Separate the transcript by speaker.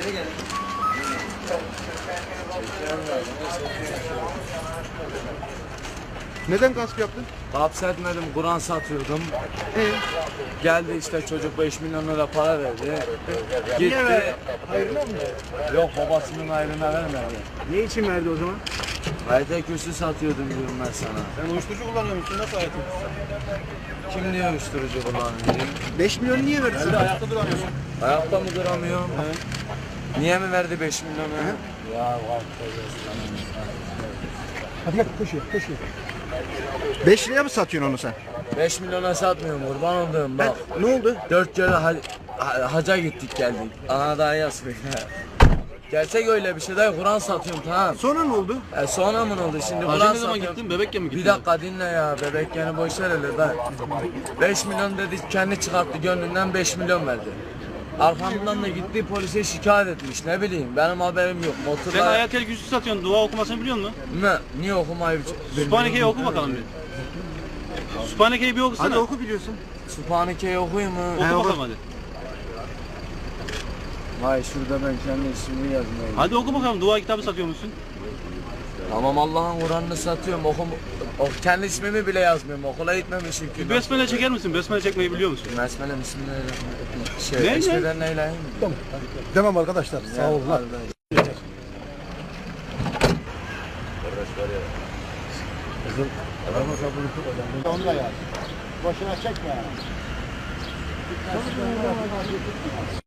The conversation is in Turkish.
Speaker 1: Neden gasp yaptın?
Speaker 2: Hapsetmedim, Kur'an satıyordum. Geldi işte çocuk 5 milyon lira para verdi. Gitti.
Speaker 1: Hayırlı mı?
Speaker 2: Yok, babasının ayrına vermedi.
Speaker 1: Ne için verdi o zaman?
Speaker 2: Hayata kürsü satıyordum diyorum ben sana.
Speaker 1: Sen uyuşturucu kullanıyor musun? Nasıl hayatın?
Speaker 2: Kim diyor uyuşturucu kullanıyor?
Speaker 1: 5 milyonu niye verdi sana?
Speaker 3: Ayakta duramıyorsun.
Speaker 2: Ayakta mı duramıyorum? Niye mi verdi 5 milyonu? Ya var.
Speaker 1: Hadi gel koşuyor. 5 liraya mı satıyorsun onu sen?
Speaker 2: 5 milyona satmıyorum, kurban olduğum bak.
Speaker 1: Ne oldu?
Speaker 2: 4 kere haca gittik geldik. Anadolu'ya yazıyor. Gerçek öyle bir şey değil, Kur'an satıyorum tamam.
Speaker 1: Sonra ne oldu?
Speaker 2: Sonra mı oldu şimdi?
Speaker 3: Hacı
Speaker 2: Kur'an
Speaker 3: ne zaman
Speaker 2: satıyorum.
Speaker 3: gittin? Bebekken mi gittin?
Speaker 2: Bir dakika dinle ya, bebek yani boş ver hele ben. 5 milyon dedi, kendi çıkarttı gönlünden 5 milyon verdi. Arkamdan da gitti polise şikayet etmiş, ne bileyim benim haberim yok.
Speaker 3: Sen
Speaker 2: Motorla...
Speaker 3: Ayatel Kürsü satıyorsun. Dua okumasını biliyor musun?
Speaker 2: Ne? Niye okumayı
Speaker 3: Sübhaneke'yi oku bakalım bir. Sübhaneke'yi bir okusana.
Speaker 1: Hadi oku biliyorsun.
Speaker 2: Sübhaneke'yi okuyayım mı?
Speaker 3: Oku bakalım hadi.
Speaker 2: Vay şurada ben kendi ismimi yazmayayım.
Speaker 3: Hadi oku bakalım. Dua kitabı satıyor musun?
Speaker 2: Tamam, Allah'ın Kur'an'ını satıyorum. Kendi ismimi bile yazmıyorum. Okula gitmemişim ki.
Speaker 3: Besmele çeker misin? Besmele çekmeyi biliyor musun?
Speaker 2: Besmele bismillahirrahmanirrahim.
Speaker 3: Ne?
Speaker 2: Eşveden neyleyim mi?
Speaker 1: Tamam. Demem arkadaşlar. Sağ olun. Onunla yani. Boşuna çekme yani.